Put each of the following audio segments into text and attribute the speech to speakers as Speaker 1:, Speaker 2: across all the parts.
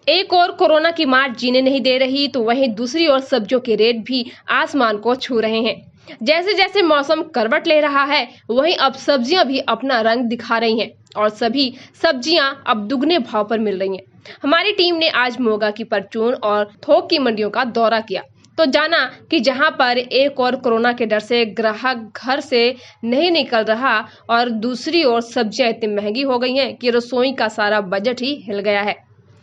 Speaker 1: एक और कोरोना की मार जीने नहीं दे रही तो वहीं दूसरी ओर सब्जियों के रेट भी आसमान को छू रहे हैं। जैसे जैसे मौसम करवट ले रहा है वहीं अब सब्जियां भी अपना रंग दिखा रही हैं और सभी सब्जियां अब दुगने भाव पर मिल रही हैं। हमारी टीम ने आज मोगा की परचून और थोक की मंडियों का दौरा किया तो जाना कि जहां पर एक और कोरोना के डर से ग्राहक घर से नहीं निकल रहा और दूसरी ओर सब्जियां इतनी महंगी हो गई हैं कि रसोई का सारा बजट ही हिल गया है।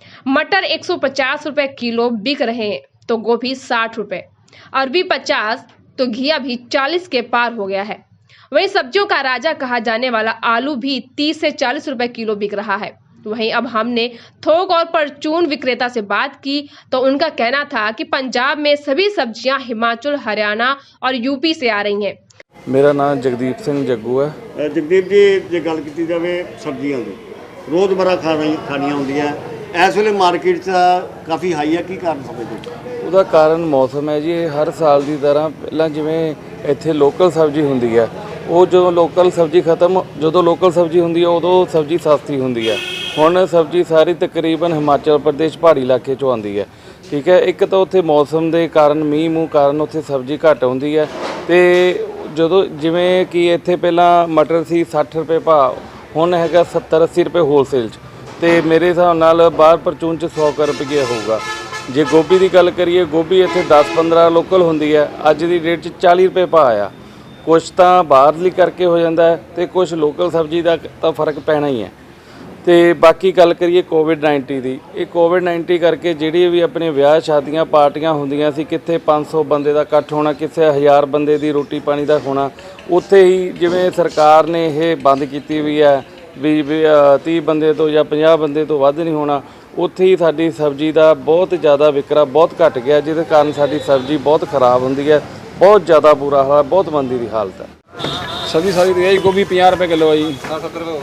Speaker 1: मटर 150 रुपए किलो बिक रहे हैं तो गोभी 60 रुपए, अरबी 50 तो घिया भी 40 के पार हो गया है। वहीं सब्जियों का राजा कहा जाने वाला आलू भी 30 से 40 रुपए किलो बिक रहा है। वहीं अब हमने थोक और परचून विक्रेता से बात की तो उनका कहना था कि पंजाब में सभी सब्जियां हिमाचल, हरियाणा और यूपी से आ रही हैं।
Speaker 2: मेरा नाम जगदीप सिंह जग्गू है।
Speaker 3: जगदीप जी, जे गल की जाए सब्जियां की रोज़मर्रा खानियां होंदियां इस वेले मार्केट काफ़ी हाई है, की कारण समझते?
Speaker 2: ਉਹਦਾ ਕਾਰਨ ਮੌਸਮ ਹੈ ਜੀ। ਹਰ ਸਾਲ ਦੀ ਤਰ੍ਹਾਂ ਪਹਿਲਾਂ ਜਿਵੇਂ ਇੱਥੇ ਲੋਕਲ ਸਬਜ਼ੀ ਹੁੰਦੀ ਹੈ, ਉਹ ਜਦੋਂ ਲੋਕਲ ਸਬਜ਼ੀ ਜਦੋਂ ਲੋਕਲ ਸਬਜ਼ੀ ਹੁੰਦੀ ਹੈ ਉਦੋਂ ਸਬਜ਼ੀ ਸਸਤੀ ਹੁੰਦੀ ਹੈ। ਹੁਣ ਸਬਜ਼ੀ ਸਾਰੀ ਤਕਰੀਬਨ ਹਿਮਾਚਲ ਪ੍ਰਦੇਸ਼ ਪਹਾੜੀ ਇਲਾਕੇ 'ਚੋਂ ਆਉਂਦੀ ਹੈ। ਠੀਕ ਹੈ, ਇੱਕ ਤਾਂ ਉੱਥੇ ਮੌਸਮ ਦੇ ਕਾਰਨ ਮੀਂਹ ਮੂੰਹ ਕਾਰਨ ਉੱਥੇ ਸਬਜ਼ੀ ਘੱਟ ਆਉਂਦੀ ਹੈ ਤੇ ਜਦੋਂ ਜਿਵੇਂ ਕਿ ਇੱਥੇ ਪਹਿਲਾਂ ਮਟਰ ਸੀ 60 ਰੁਪਏ ਭਾਅ, ਹੁਣ ਹੈਗਾ 70-80 ਰੁਪਏ ਹੋਲਸੇਲ 'ਚ ਤੇ ਮੇਰੇ ਹਿਸਾਬ ਨਾਲ ਬਾਹਰ ਪਰਚੂਨ 'ਚ 100 ਰੁਪਏ ਹੋਊਗਾ। ਜੇ ਗੋਭੀ ਦੀ ਗੱਲ ਕਰੀਏ, ਗੋਭੀ ਇੱਥੇ 10-15 ਲੋਕਲ ਹੁੰਦੀ ਹੈ, ਅੱਜ ਦੀ ਡੇਟ 'ਚ 40 ਰੁਪਏ ਭਾਅ ਆ। ਕੁਛ ਤਾਂ ਬਾਹਰਲੀ ਕਰਕੇ ਹੋ ਜਾਂਦਾ ਹੈ ਤੇ ਕੁਛ ਲੋਕਲ ਸਬਜ਼ੀ ਦਾ ਤਾਂ ਫਰਕ ਪੈਣਾ ਹੀ ਹੈ। ਤੇ ਬਾਕੀ ਗੱਲ ਕਰੀਏ ਕੋਵਿਡ-19 ਦੀ, ਇਹ ਕੋਵਿਡ-19 ਕਰਕੇ ਜਿਹੜੀ ਵੀ ਆਪਣੇ ਵਿਆਹ ਸ਼ਾਦੀਆਂ ਪਾਰਟੀਆਂ ਹੁੰਦੀਆਂ ਸੀ, ਕਿੱਥੇ 500 ਬੰਦੇ ਦਾ ਇਕੱਠ ਹੋਣਾ, ਕਿਸੇ 1000 ਬੰਦੇ ਦੀ ਰੋਟੀ ਪਾਣੀ ਦਾ ਹੋਣਾ, ਉੱਥੇ ਹੀ ਜਿਵੇਂ ਸਰਕਾਰ ਨੇ ਇਹ ਬੰਦ ਕੀਤੀ ਵੀ ਹੈ ਵੀ 30 ਬੰਦੇ ਤੋਂ ਜਾਂ 50 ਬੰਦੇ ਤੋਂ ਵੱਧ ਨਹੀਂ ਹੋਣਾ, ਉੱਥੇ ਹੀ ਸਾਡੀ ਸਬਜ਼ੀ ਦਾ ਬਹੁਤ ਜ਼ਿਆਦਾ ਵਿਕਰਾ ਬਹੁਤ ਘਟ ਗਿਆ, ਜਿਹਦੇ ਕਾਰਨ ਸਾਡੀ ਸਬਜ਼ੀ ਬਹੁਤ ਖਰਾਬ ਹੁੰਦੀ ਹੈ। ਬਹੁਤ ਜ਼ਿਆਦਾ ਬੁਰਾ ਹਾਲ, ਬਹੁਤ ਮੰਦੀ ਦੀ ਹਾਲਤ ਹੈ।
Speaker 4: ਸਬਜ਼ੀ ਸਾਰੀ ਦੀ ਗੋਭੀ 50 ਰੁਪਏ ਕਿਲੋ ਹੈ ਜੀ, 70 ਰੁਪਏ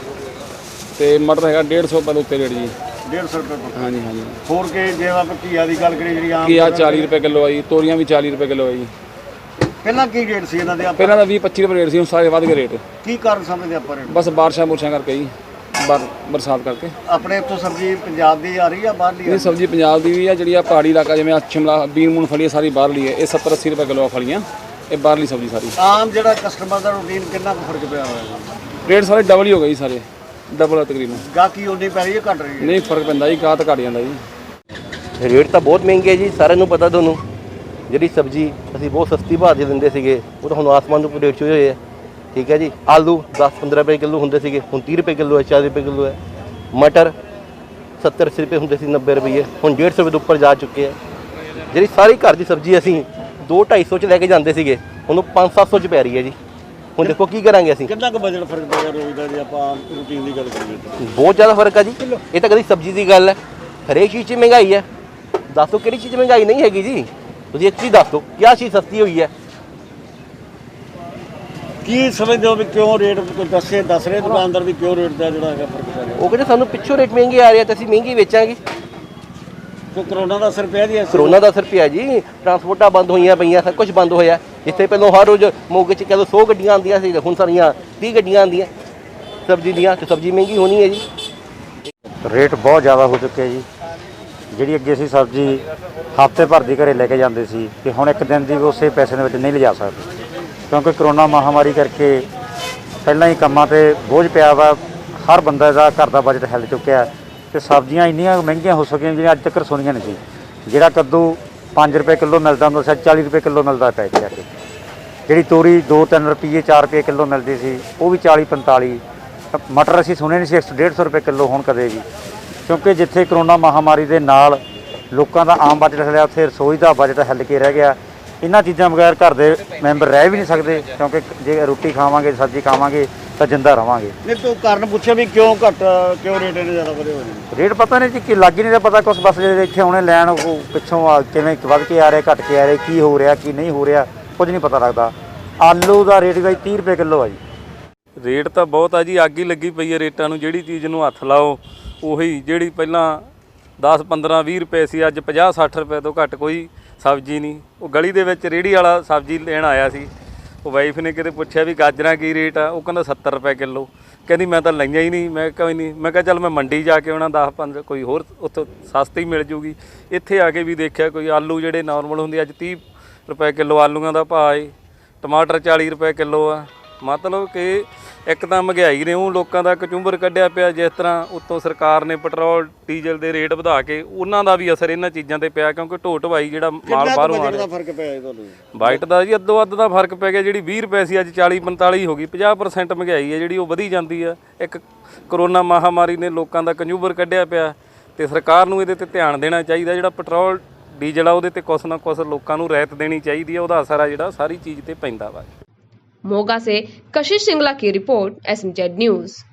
Speaker 4: ਤੇ ਮਟਰ ਹੈਗਾ 150 ਪਰ ਉੱਤੇ ਰੇਟ ਜੀ,
Speaker 3: 150 ਰੁਪਏ।
Speaker 4: ਹਾਂਜੀ ਹਾਂਜੀ।
Speaker 3: ਹੋਰ ਕੇ ਜੇ ਆਪਾਂ ਘੀਆ ਦੀ ਗੱਲ ਕਰੀਏ, ਜਿਹੜੀ ਆਮ
Speaker 4: ਘੀਆ 40 ਰੁਪਏ ਕਿਲੋ ਹੈ ਜੀ, ਤੋਰੀਆਂ ਵੀ 40 ਰੁਪਏ ਕਿਲੋ ਹੈ ਜੀ।
Speaker 3: ਪਹਿਲਾਂ ਕੀ ਰੇਟ ਸੀ ਇਹਨਾਂ ਦੇ?
Speaker 4: ਪਹਿਲਾਂ ਤਾਂ 20-25 ਰੁਪਏ ਰੇਟ ਸੀ, ਹੁਣ ਸਾਰੇ ਵੱਧ ਗਏ ਰੇਟ।
Speaker 3: ਕੀ ਕਾਰਨ ਸਮਝਦੇ ਆਪਾਂ ਰੇਟ?
Speaker 4: ਬਸ ਬਾਰਿਸ਼ਾਂ ਕਰਕੇ ਜੀ, ਬਰਸਾਤ ਕਰਕੇ।
Speaker 3: ਆਪਣੇ ਇੱਥੋਂ ਸਬਜ਼ੀ ਪੰਜਾਬ ਦੀ ਆ ਰਹੀ ਆ ਬਾਹਰਲੀ?
Speaker 4: ਇਹ ਸਬਜ਼ੀ ਪੰਜਾਬ ਦੀ ਵੀ ਆ, ਜਿਹੜੀ ਆ ਪਹਾੜੀ ਇਲਾਕਾ ਜਿਵੇਂ ਸ਼ਿਮਲਾ ਬੀਨ ਮੂਨ ਫਲੀ ਸਾਰੀ ਬਾਹਰਲੀ ਹੈ। ਇਹ 70-80 ਰੁਪਏ ਕਿਲੋ ਆ ਫਲੀਆਂ, ਇਹ ਬਾਹਰਲੀ ਸਬਜ਼ੀ ਸਾਰੀ।
Speaker 3: ਆਮ ਜਿਹੜਾ ਕਸਟਮਰ ਦਾ ਰੂਟੀਨ ਕਿੰਨਾ ਕੁ ਫਰਕ ਪਿਆ ਹੋਇਆ?
Speaker 4: ਰੇਟ ਸਾਰੇ ਡਬਲ ਹੀ ਹੋ ਗਏ ਜੀ, ਸਾਰੇ ਡਬਲ ਤਕਰੀਬਨ।
Speaker 3: ਗਾਹਕੀ ਉਨੀ ਪੈ ਰਹੀ ਹੈ, ਘਟ ਰਹੀ ਹੈ?
Speaker 4: ਨਹੀਂ, ਫਰਕ ਪੈਂਦਾ ਜੀ, ਗਾਹ ਤਾਂ ਘਟ ਜਾਂਦਾ ਜੀ।
Speaker 5: ਰੇਟ ਤਾਂ ਬਹੁਤ ਮਹਿੰਗੇ ਜੀ, ਸਾਰਿਆਂ ਨੂੰ ਪਤਾ। ਤੁਹਾਨੂੰ ਜਿਹੜੀ ਸਬਜ਼ੀ ਅਸੀਂ ਬਹੁਤ ਸਸਤੀ ਭਾਅ 'ਚ ਦਿੰਦੇ ਸੀਗੇ, ਉਹ ਤਾਂ ਹੁਣ ਆਸਮਾਨ ਨੂੰ ਰੇਟ 'ਚ ਹੋਏ ਹੈ। ਠੀਕ ਹੈ ਜੀ, ਆਲੂ 10-15 ਰੁਪਏ ਕਿਲੋ ਹੁੰਦੇ ਸੀਗੇ, ਹੁਣ 30 ਰੁਪਏ ਕਿਲੋ ਹੈ, 40 ਰੁਪਏ ਕਿਲੋ ਹੈ। ਮਟਰ 70-80 ਰੁਪਏ ਹੁੰਦੇ ਸੀ, 90 ਰੁਪਏ, ਹੁਣ 150 ਰੁਪਏ ਤੋਂ ਉੱਪਰ ਜਾ ਚੁੱਕੇ ਹੈ। ਜਿਹੜੀ ਸਾਰੀ ਘਰ ਦੀ ਸਬਜ਼ੀ ਅਸੀਂ 200-250 'ਚ ਲੈ ਕੇ ਜਾਂਦੇ ਸੀਗੇ, ਹੁਣ 500-700 'ਚ ਪੈ ਰਹੀ ਹੈ ਜੀ। ਹੁਣ ਦੇਖੋ ਕੀ ਕਰਾਂਗੇ ਅਸੀਂ।
Speaker 3: ਕਿੰਨਾ ਕੁ ਬਜਟ ਫਰਕ ਪੈ ਗਿਆ ਰੋਜ਼ ਦਾ ਜੇ ਆਪਾਂ ਰੂਟੀਨ ਦੀ ਗੱਲ ਕਰੀਏ?
Speaker 5: ਬਹੁਤ ਜ਼ਿਆਦਾ ਫਰਕ ਆ ਜੀ। ਇਹ ਤਾਂ ਕਦੀ ਸਬਜ਼ੀ ਦੀ ਗੱਲ ਹੈ, ਹਰੇਕ ਚੀਜ਼ 'ਚ ਮਹਿੰਗਾਈ ਹੈ। ਦੱਸੋ ਕਿਹੜੀ ਚੀਜ਼ ਮਹਿੰਗਾਈ ਨਹੀਂ ਹੈਗੀ ਜੀ? ਤੁਸੀਂ ਇੱਕ ਚੀਜ਼ ਦੱਸ ਦਿਓ, ਕਿਆ ਚੀਜ਼ ਸਸਤੀ ਹੋਈ ਹੈ?
Speaker 3: ਕੀ ਸਮਝਦੇ ਹੋ ਵੀ ਕਿਉਂ ਰੇਟ ਦੱਸ ਰਹੇ ਦੁਕਾਨਦਾਰ ਵੀ ਕਿਉਂ ਰੇਟ ਦਾ ਜਿਹੜਾ ਹੈਗਾ ਫਰਕ ਪੈ ਰਿਹਾ?
Speaker 5: ਉਹ ਕਹਿੰਦੇ ਸਾਨੂੰ ਪਿੱਛੋਂ ਰੇਟ ਮਹਿੰਗੇ ਆ ਰਹੇ ਤੇ ਅਸੀਂ ਮਹਿੰਗੀ ਵੇਚਾਂਗੇ।
Speaker 3: ਕੋਈ ਕਰੋਨਾ ਦਾ ਅਸਰ ਪਿਆ ਜੀ?
Speaker 5: ਕਰੋਨਾ ਦਾ ਅਸਰ ਪਿਆ ਜੀ, ਟਰਾਂਸਪੋਰਟਾਂ ਬੰਦ ਹੋਈਆਂ ਪਈਆਂ, ਸਭ ਕੁਝ ਬੰਦ ਹੋਇਆ। ਜਿੱਥੇ ਪਹਿਲਾਂ ਹਰ ਰੋਜ਼ ਮੋਗੇ 'ਚ ਕਹਿ 100 ਗੱਡੀਆਂ ਆਉਂਦੀਆਂ ਸੀ, ਹੁਣ ਸਾਰੀਆਂ 30 ਗੱਡੀਆਂ ਆਉਂਦੀਆਂ ਸਬਜ਼ੀ ਦੀਆਂ, ਤੇ ਸਬਜ਼ੀ ਮਹਿੰਗੀ ਹੋਣੀ ਹੈ ਜੀ।
Speaker 6: ਰੇਟ ਬਹੁਤ ਜ਼ਿਆਦਾ ਹੋ ਚੁੱਕਿਆ ਜੀ। ਜਿਹੜੀ ਅੱਗੇ ਅਸੀਂ ਸਬਜ਼ੀ ਹਫ਼ਤੇ ਭਰ ਦੀ ਘਰੇ ਲੈ ਕੇ ਜਾਂਦੇ ਸੀ, ਤੇ ਹੁਣ ਇੱਕ ਦਿਨ ਦੀ ਉਸੇ ਪੈਸੇ ਦੇ ਵਿੱਚ ਨਹੀਂ ਲਿਜਾ ਸਕਦੇ, ਕਿਉਂਕਿ ਕਰੋਨਾ ਮਹਾਮਾਰੀ ਕਰਕੇ ਪਹਿਲਾਂ ਹੀ ਕੰਮਾਂ 'ਤੇ ਬੋਝ ਪਿਆ ਵਾ। ਹਰ ਬੰਦੇ ਦਾ ਘਰ ਦਾ ਬਜਟ ਹਿੱਲ ਚੁੱਕਿਆ ਤੇ ਸਬਜ਼ੀਆਂ ਇੰਨੀਆਂ ਮਹਿੰਗੀਆਂ ਹੋ ਚੁੱਕੀਆਂ ਜਿਹੜੀਆਂ ਅੱਜ ਤੱਕ ਸੁਣੀਆਂ ਨਹੀਂ ਸੀ। ਜਿਹੜਾ ਕੱਦੂ 5 ਰੁਪਏ ਕਿਲੋ ਮਿਲਦਾ ਹੁੰਦਾ ਸੀ, 40 ਰੁਪਏ ਕਿਲੋ ਮਿਲਦਾ ਪੈ ਗਿਆ। ਜਿਹੜੀ ਤੋਰੀ 2-3 ਰੁਪਏ 4 ਰੁਪਏ ਕਿਲੋ ਮਿਲਦੀ ਸੀ, ਉਹ ਵੀ 40-45। ਮਟਰ ਅਸੀਂ ਸੁਣੇ ਨਹੀਂ ਸੀ 150 ਰੁਪਏ ਕਿਲੋ ਹੁਣ ਕਦੇ ਵੀ, ਕਿਉਂਕਿ ਜਿੱਥੇ ਕਰੋਨਾ ਮਹਾਮਾਰੀ ਦੇ ਨਾਲ ਲੋਕਾਂ ਦਾ ਆਮ ਬਜਟ ਹਿੱਲਿਆ, ਉੱਥੇ ਰਸੋਈ ਦਾ ਬਜਟ ਹਿੱਲ ਕੇ ਰਹਿ ਗਿਆ। ਇਹਨਾਂ ਚੀਜ਼ਾਂ ਬਗੈਰ ਘਰ ਦੇ ਮੈਂਬਰ ਰਹਿ ਵੀ ਨਹੀਂ ਸਕਦੇ, ਕਿਉਂਕਿ ਜੇ ਰੋਟੀ ਖਾਵਾਂਗੇ, ਸਬਜ਼ੀ ਖਾਵਾਂਗੇ ਤਾਂ ਜਿੰਦਾ ਰਵਾਂਗੇ।
Speaker 3: ਨਹੀਂ ਤੂੰ ਕਾਰਨ ਪੁੱਛਿਆ ਵੀ ਕਿਉਂ ਰੇਟ ਇਹਨੇ ਜ਼ਿਆਦਾ ਵਧੇ ਹੋਏ ਨੇ?
Speaker 6: ਰੇਟ ਪਤਾ ਨਹੀਂ ਜੀ, ਕਿ ਲੱਗ ਹੀ ਨਹੀਂ ਰਿਹਾ ਪਤਾ ਕੁਛ। ਬਸ ਜਿਹੜੇ ਇੱਥੇ ਆਉਣੇ ਲੈਣ, ਉਹ ਪਿੱਛੋਂ ਕਿਵੇਂ ਵੱਧ ਕੇ ਆ ਰਿਹਾ, ਘਟ ਕੇ ਆ ਰਿਹਾ, ਕੀ ਹੋ ਰਿਹਾ ਕੀ ਨਹੀਂ ਹੋ ਰਿਹਾ, ਕੁਝ ਨਹੀਂ ਪਤਾ ਲੱਗਦਾ। ਆਲੂ ਦਾ ਰੇਟ ਵੀ 30 ਰੁਪਏ ਕਿਲੋ ਆ ਜੀ।
Speaker 2: ਰੇਟ ਤਾਂ ਬਹੁਤ ਆ ਜੀ, ਅੱਗ ਹੀ ਲੱਗੀ ਪਈ ਹੈ ਰੇਟਾਂ ਨੂੰ। ਜਿਹੜੀ ਚੀਜ਼ ਨੂੰ ਹੱਥ ਲਾਓ ਉਹੀ, ਜਿਹੜੀ ਪਹਿਲਾਂ 10-15-20 ਰੁਪਏ ਸੀ, ਅੱਜ 50-60 ਰੁਪਏ ਤੋਂ ਘੱਟ ਕੋਈ ਸਬਜ਼ੀ ਨਹੀਂ। ਉਹ ਗਲੀ ਦੇ ਵਿੱਚ ਰੇਹੜੀ ਵਾਲਾ ਸਬਜ਼ੀ ਲੈਣ ਆਇਆ ਸੀ, ਉਹ ਵਾਈਫ ਨੇ ਕਿਤੇ ਪੁੱਛਿਆ ਵੀ ਗਾਜਰਾਂ ਕੀ ਰੇਟ ਆ, ਉਹ ਕਹਿੰਦਾ 70 ਰੁਪਏ ਕਿਲੋ। ਕਹਿੰਦੀ ਮੈਂ ਤਾਂ ਲਈਆਂ ਹੀ ਨਹੀਂ। ਮੈਂ ਕੋਈ ਨਹੀਂ, ਮੈਂ ਕਿਹਾ ਚੱਲ ਮੈਂ ਮੰਡੀ ਜਾ ਕੇ ਆਉਣਾ 10-15 ਕੋਈ ਹੋਰ ਉੱਥੋਂ ਸਸਤੀ ਮਿਲ ਜੂਗੀ। ਇੱਥੇ ਆ ਕੇ ਵੀ ਦੇਖਿਆ ਕੋਈ ਆਲੂ ਜਿਹੜੇ ਨਾਰਮਲ ਹੁੰਦੇ ਅੱਜ 30 ਰੁਪਏ ਕਿਲੋ ਆਲੂਆਂ ਦਾ ਭਾਅ ਏ, ਟਮਾਟਰ 40 ਰੁਪਏ ਕਿਲੋ ਆ। ਮਤਲਬ ਕਿ ਇੱਕ ਤਾਂ ਮਹਿੰਗਾਈ ਨੇ ਉਹ ਲੋਕਾਂ ਦਾ ਕਚੂੰਬਰ ਕੱਢਿਆ ਪਿਆ, ਜਿਸ ਤਰ੍ਹਾਂ ਉੱਤੋਂ ਸਰਕਾਰ ਨੇ ਪੈਟਰੋਲ ਡੀਜ਼ਲ ਦੇ ਰੇਟ ਵਧਾ ਕੇ ਉਹਨਾਂ ਦਾ ਵੀ ਅਸਰ ਇਹਨਾਂ ਚੀਜ਼ਾਂ ਤੇ ਪਿਆ, ਕਿਉਂਕਿ ਢੋ ਢਵਾਈ ਜਿਹੜਾ ਮਾਲ ਬਾਹਰੋਂ ਆ ਰਿਹਾ।
Speaker 3: ਫਰਕ ਪਿਆ ਜੀ ਤੁਹਾਨੂੰ?
Speaker 2: ਬਾਈਟ ਦਾ ਜੀ ਅੱਧੋ ਅੱਧ ਦਾ ਫਰਕ ਪੈ ਗਿਆ। ਜਿਹੜੀ 20 ਰੁਪਏ ਸੀ ਅੱਜ 40-45 ਹੋ ਗਈ। 50% ਮਹਿੰਗਾਈ ਹੈ ਜਿਹੜੀ ਉਹ ਵਧੀ ਜਾਂਦੀ ਆ। ਇੱਕ ਕਰੋਨਾ ਮਹਾਮਾਰੀ ਨੇ ਲੋਕਾਂ ਦਾ ਕਚੂੰਬਰ ਕੱਢਿਆ ਪਿਆ ਤੇ ਸਰਕਾਰ ਨੂੰ ਇਹਦੇ ਤੇ ਧਿਆਨ ਦੇਣਾ ਚਾਹੀਦਾ। ਜਿਹੜਾ ਪੈਟਰੋਲ ਡੀਜ਼ਲ ਆ ਉਹਦੇ ਤੇ ਕੁਛ ਨਾ ਕੁਛ ਲੋਕਾਂ ਨੂੰ ਰਿਆਇਤ ਦੇਣੀ ਚਾਹੀਦੀ ਹੈ। ਉਹਦਾ ਅਸਰ ਆ ਜਿਹੜਾ ਸਾਰੀ ਚੀਜ਼ ਤੇ ਪੈਂਦਾ ਵਾ।
Speaker 1: मोगा से कशिश सिंगला की रिपोर्ट, SMZ न्यूज़।